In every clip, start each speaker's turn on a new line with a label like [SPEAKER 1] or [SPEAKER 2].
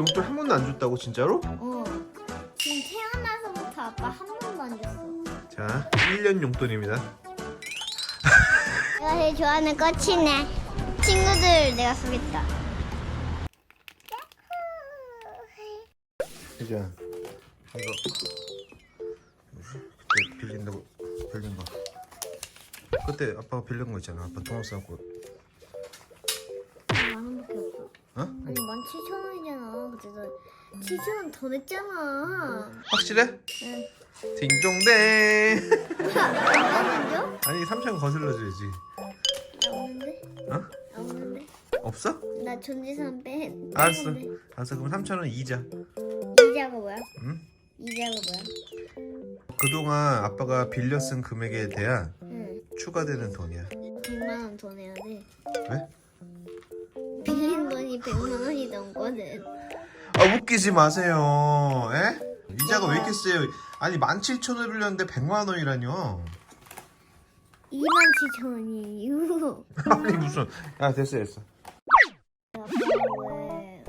[SPEAKER 1] 용돈 한 번도 안 줬다고 진짜로?
[SPEAKER 2] 지금 태어나서부터 아빠 한 번도 안 줬어.
[SPEAKER 1] 자, 1년 용돈입니다.
[SPEAKER 2] 내가 제일 좋아하는 꽃이네. 친구들 내가 쏘겠다.
[SPEAKER 1] 혜지야, 이거 그때 빌린다고 빌린 거. 그때 아빠가 빌린 거 있잖아. 아빠 통화 싸고.
[SPEAKER 2] 10,000원밖에 없어.
[SPEAKER 1] 어?
[SPEAKER 2] 아니 17,000원이잖아. 그때 너 7,000원 더 냈잖아.
[SPEAKER 1] 확실해?
[SPEAKER 2] 응.
[SPEAKER 1] 딩동댕.
[SPEAKER 2] 안 줘?
[SPEAKER 1] 아니 3,000원 거슬러줘야지.
[SPEAKER 2] 없는데?
[SPEAKER 1] 어?
[SPEAKER 2] 없는데?
[SPEAKER 1] 없어?
[SPEAKER 2] 나 존재산 빼.
[SPEAKER 1] 알았어.
[SPEAKER 2] 뺐는데.
[SPEAKER 1] 알았어. 그럼 3,000원 이자.
[SPEAKER 2] 이자가 뭐야?
[SPEAKER 1] 응?
[SPEAKER 2] 이자가 뭐야?
[SPEAKER 1] 그동안 아빠가 빌려 쓴 금액에 대한
[SPEAKER 2] 응.
[SPEAKER 1] 추가되는 돈이야.
[SPEAKER 2] 100만 원 더 내야 돼.
[SPEAKER 1] 왜?
[SPEAKER 2] 빌린 돈이 100만 원이 넘거든.
[SPEAKER 1] 아 웃기지 마세요. 에? 이자가 왜 이렇게 세요? 아니 17,000원 빌렸는데 100만 원이라뇨.
[SPEAKER 2] 27,000원이에요.
[SPEAKER 1] 아니 무슨? 야 됐어.
[SPEAKER 2] 아빠 왜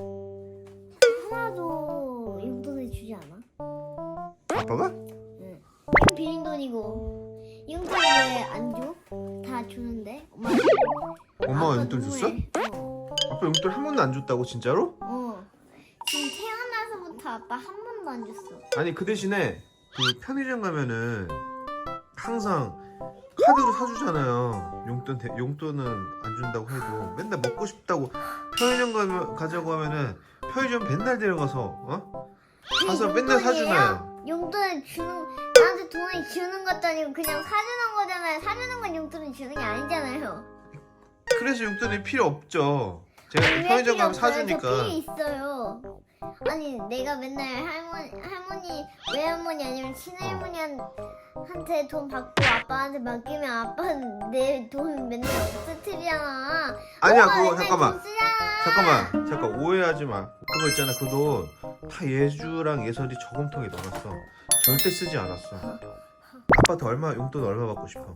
[SPEAKER 2] 하나도 용돈을 주지 않아?
[SPEAKER 1] 아빠가?
[SPEAKER 2] 응. 이건 빌린 돈이고 용돈 왜 안 줘? 다 주는데?
[SPEAKER 1] 엄마가 용돈 줬어? 아빠 용돈 한 번도 안 줬다고 진짜로?
[SPEAKER 2] 지금 태어나서부터 아빠 한 번도 안 줬어.
[SPEAKER 1] 아니 그 대신에 그 편의점 가면은 항상 카드로 사주잖아요. 용돈은 안 준다고 해도 맨날 먹고 싶다고 편의점 가자고 하면은 편의점 맨날 데려가서 가서 맨날 사주나요.
[SPEAKER 2] 용돈을 나한테 돈을 주는 것도 아니고 그냥 사주는 거잖아요. 사주는 건 용돈을 주는 게 아니잖아요.
[SPEAKER 1] 그래서 용돈이 필요 없죠. 제가
[SPEAKER 2] 왜
[SPEAKER 1] 편의점
[SPEAKER 2] 필요
[SPEAKER 1] 가면
[SPEAKER 2] 없어요?
[SPEAKER 1] 사주니까.
[SPEAKER 2] 저 필요 있어요. 아니 내가 맨날 할머니 외할머니 아니면 친할머니한테 돈 받고 아빠한테 맡기면 아빠는 내 돈 맨날 없애트리잖아.
[SPEAKER 1] 아니야
[SPEAKER 2] 엄마
[SPEAKER 1] 그거
[SPEAKER 2] 맨날
[SPEAKER 1] 잠깐만.
[SPEAKER 2] 돈 쓰잖아.
[SPEAKER 1] 잠깐 오해하지 마. 그거 있잖아 그 돈 다 예주랑 예설이 저금통에 넣어놨어. 절대 쓰지 않았어. 아빠한테 용돈 얼마 받고 싶어?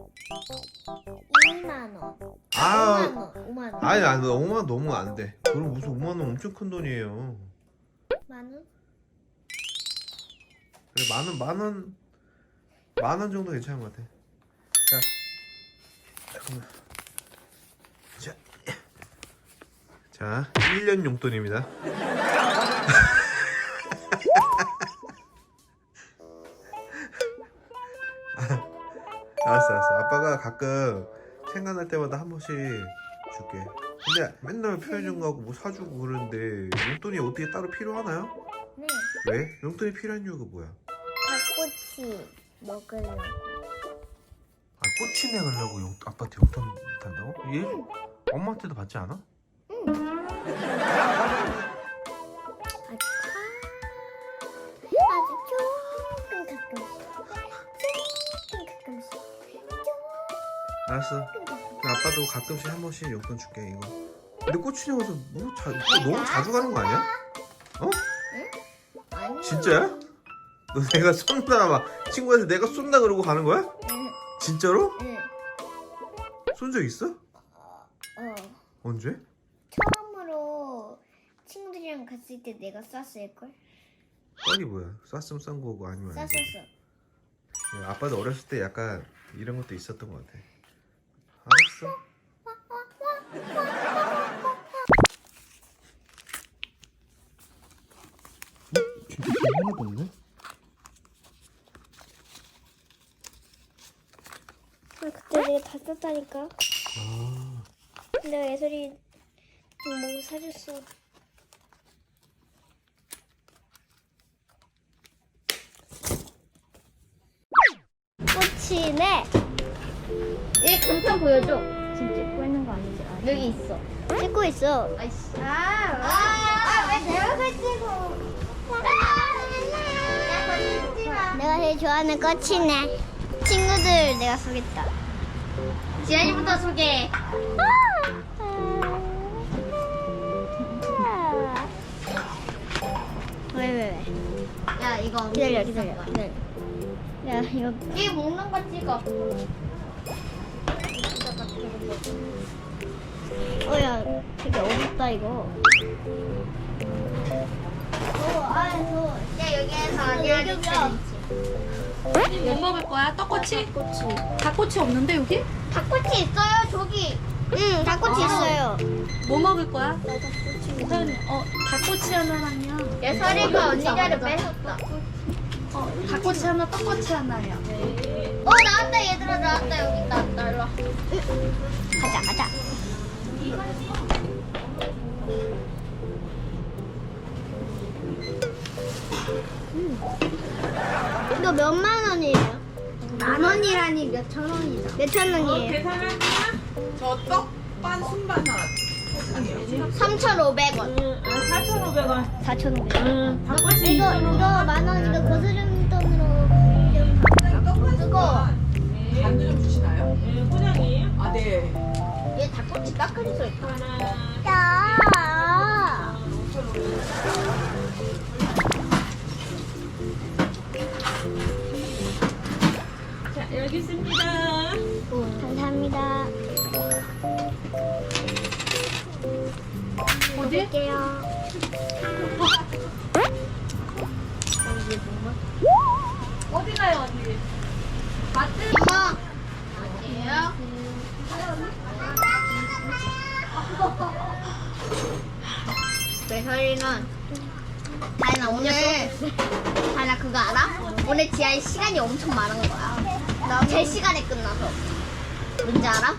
[SPEAKER 2] 2만 원.
[SPEAKER 1] 아
[SPEAKER 2] 5만 원.
[SPEAKER 1] 아니 5만 원 너무 안 돼. 그럼 무슨 5만 원 엄청 큰 돈이에요.
[SPEAKER 2] 만 원?
[SPEAKER 1] 그래 만 원 정도 괜찮은 것 같아. 자 잠깐만. 자 1년 용돈입니다. 알았어. 아빠가 가끔 생각날 때마다 한 번씩 줄게. 근데 맨날 편의점 가고 뭐 사주고 그러는데 용돈이 어떻게 따로 필요하나요?
[SPEAKER 2] 네.
[SPEAKER 1] 왜? 용돈이 필요한 이유가 뭐야?
[SPEAKER 2] 닭꼬치 먹으려고.
[SPEAKER 1] 아 꼬치 내려고 아빠한테 용돈 단다고? 얘? 엄마한테도 받지 않아?
[SPEAKER 2] 아주 조금 가끔씩.
[SPEAKER 1] 알았어. 아빠도 가끔씩 한 번씩 용돈 줄게 이거. 근데 꼬치네 가서 너무 자주 가는 거 아니야? 어?
[SPEAKER 2] 아니.
[SPEAKER 1] 진짜야? 너 내가 쏜다 막 친구한테 내가 쏜다 그러고 가는 거야?
[SPEAKER 2] 응.
[SPEAKER 1] 진짜로?
[SPEAKER 2] 응.
[SPEAKER 1] 쏜 적 있어? 언제?
[SPEAKER 2] 처음으로 친구들이랑 갔을 때 내가 쐈을걸?
[SPEAKER 1] 뻔이 뭐야? 쐈으면 쏜 거고 아니면 아니고.
[SPEAKER 2] 쐈었어.
[SPEAKER 1] 아빠도 어렸을 때 약간 이런 것도 있었던 것 같아. 알았어. 진짜 하나도 없네?
[SPEAKER 2] 그때 내가 다 썼다니까.
[SPEAKER 1] 아,
[SPEAKER 2] 내가 예솔이 좀 뭔가 사줬어. 꽃이네. 얘 감탄 보여줘.
[SPEAKER 3] 지금 찍고 있는 거 아니지?
[SPEAKER 2] 여기 있어. 찍고 있어.
[SPEAKER 3] 아이씨.
[SPEAKER 2] 왜 내가 걸 찍고? 내가 제일 좋아하는 꽃이네. 친구들 내가 쏘겠다.
[SPEAKER 3] 지안이부터 소개.
[SPEAKER 2] 왜?
[SPEAKER 3] 야 이거
[SPEAKER 2] 기다려. 야 이거
[SPEAKER 3] 이 먹는 거 찍어.
[SPEAKER 2] 야 되게 어렵다 이거.
[SPEAKER 3] 뭐 먹을 거야? 떡꼬치? 닭꼬치 없는데 여기?
[SPEAKER 2] 닭꼬치 있어요 저기. 응 닭꼬치 있어요.
[SPEAKER 3] 뭐 먹을 거야? 서연이, 닭꼬치 하나랑요.
[SPEAKER 2] 예설이가 언니 자리 뺏었다.
[SPEAKER 3] 닭꼬치 하나, 떡꼬치 하나요.
[SPEAKER 2] 나왔다 얘들아 나왔다 여기 나왔다 일로 와. 가자. 이거 몇만 원이에요? 만 원이라니 몇천 원이다. 몇천 원이에요?
[SPEAKER 4] 계산할게요. 저 떡반 순반 하나.
[SPEAKER 2] 3,500원.
[SPEAKER 4] 4,500원.
[SPEAKER 2] 4,500원.
[SPEAKER 4] 닭꼬치
[SPEAKER 2] 이거 만 원. 이거 거스름 돈으로 좀
[SPEAKER 4] 떡반
[SPEAKER 2] 그거.
[SPEAKER 4] 순반. 반도 좀 주시나요? 네, 포장이에요? 아, 네.
[SPEAKER 2] 얘 닭꼬치 깎아줄 수 있다.
[SPEAKER 4] 하나.
[SPEAKER 2] 야.
[SPEAKER 4] 자, 여기 있습니다.
[SPEAKER 2] 감사합니다.
[SPEAKER 3] 어디?
[SPEAKER 2] 볼게요.
[SPEAKER 3] 어디 가요, 언니? 마트?
[SPEAKER 2] 엄마.
[SPEAKER 3] 어디예요?
[SPEAKER 2] 매설이는 다이나 오늘 다이나 그거 알아? 오늘 지하에 시간이 엄청 많은 거야. 제 시간에 끝나서. 뭔지 알아?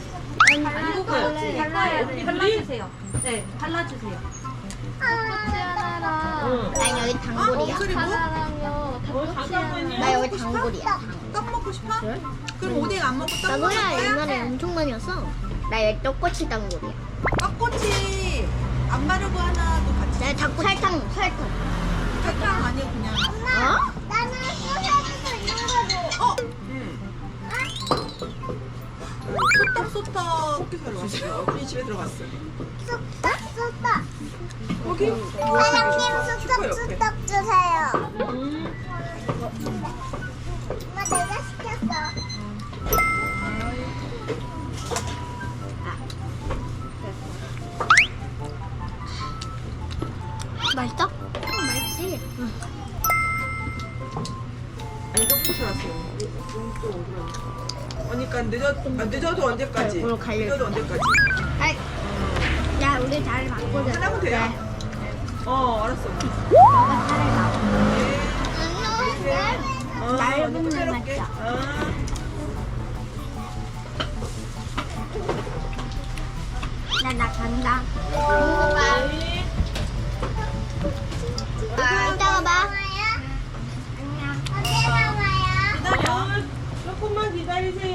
[SPEAKER 3] 발라주세요. 네, 발라주세요. 떡꼬치 하나랑
[SPEAKER 2] 나 여기 단골이야.
[SPEAKER 3] 하나랑요. 닭꼬치 하나.
[SPEAKER 2] 나 여기 단골이야.
[SPEAKER 4] 떡 먹고 싶어? 그럼 오뎅 안 먹고 떡
[SPEAKER 2] 나
[SPEAKER 4] 먹을
[SPEAKER 2] 노래
[SPEAKER 4] 거야?
[SPEAKER 2] 옛날에 엄청 많이 왔어. 나 여기 떡꼬치 단골이야.
[SPEAKER 4] 떡꼬치 안 바르고 하나도 같이.
[SPEAKER 2] 나 닭꼬치 설탕.
[SPEAKER 4] 설탕 아니고 그냥.
[SPEAKER 2] 어? 나는 소세지도 있는 거고.
[SPEAKER 4] 소떡. 들어갔어요. 언니 집에 들어갔어.
[SPEAKER 2] 쑥떡.
[SPEAKER 4] 거기?
[SPEAKER 2] 사장님 쑥떡 주세요. 엄마 내가 시켰어. 맛있어? 맛있지?
[SPEAKER 4] 아니 떡볶이 왔어요. 또 어디로? 그러니까 늦어도 언제까지?
[SPEAKER 2] 오늘 갈려.
[SPEAKER 4] 늦어도 언제까지?
[SPEAKER 2] 아이, 야 우리 잘 바꾸자.
[SPEAKER 4] 하나면 돼요. 알았어.
[SPEAKER 2] 너가 차를 놔.
[SPEAKER 4] 얇은
[SPEAKER 2] 날
[SPEAKER 4] 날
[SPEAKER 2] 맞죠? 나 간다. 이따가 봐. 안녕. 언제 봐요?
[SPEAKER 4] 기다려. 조금만 기다리세요.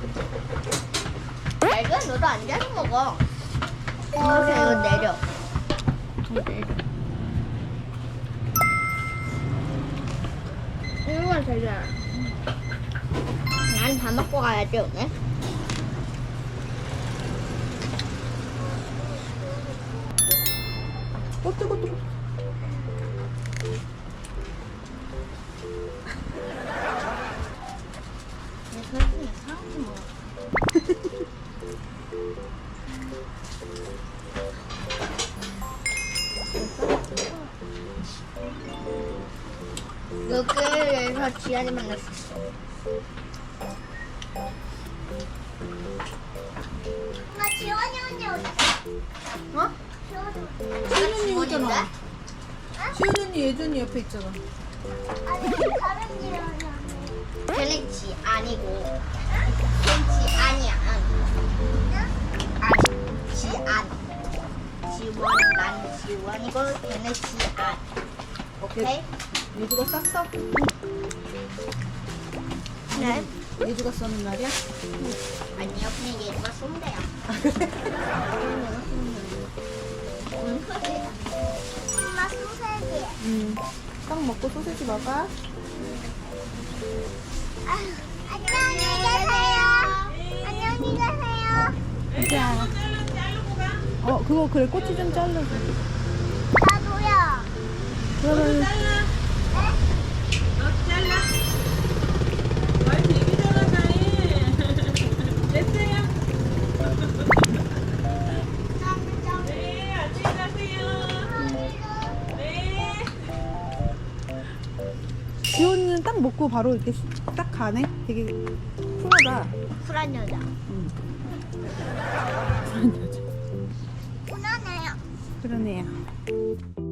[SPEAKER 2] 맑은 너도 앉아서 먹어. 이거 내려. 이거 되잖아. 난 다 먹고 가야지 오늘.
[SPEAKER 4] 뜨거.
[SPEAKER 2] 여기에서 지안이 만났어. 엄마 지원이 언니 어디 있어? 어? 지원이 언니.
[SPEAKER 4] 시은 언니 예준이 옆에 있잖아.
[SPEAKER 2] 아니 다른 지원이 언니. 걔는 지 아니고. 걔는 지 아니야. 아니 지안. 지원 난 지원이고 걔는 지안. 오케이?
[SPEAKER 4] 예주가 쌌어?
[SPEAKER 2] 네.
[SPEAKER 4] 예주가 써는 날이야?
[SPEAKER 2] 아니요 그냥 얘가 쏜대요. 엄마 소세지.
[SPEAKER 4] 떡 먹고 소세지 먹어.
[SPEAKER 2] 안녕히 계세요. 안녕히 계세요.
[SPEAKER 4] 그거 그래 꼬치 좀 잘라줘.
[SPEAKER 2] 나도요.
[SPEAKER 4] 그러면
[SPEAKER 2] 네?
[SPEAKER 4] 잘라. 많이 되게 잘하네. 됐어요. 네, 안녕히 가세요. 네.
[SPEAKER 5] 딱 먹고 바로 이렇게 딱 가네. 되게 쿨하다.
[SPEAKER 2] 쿨한 여자.
[SPEAKER 5] 쿨한 여자.
[SPEAKER 2] 쿨하네요.
[SPEAKER 5] 그러네요.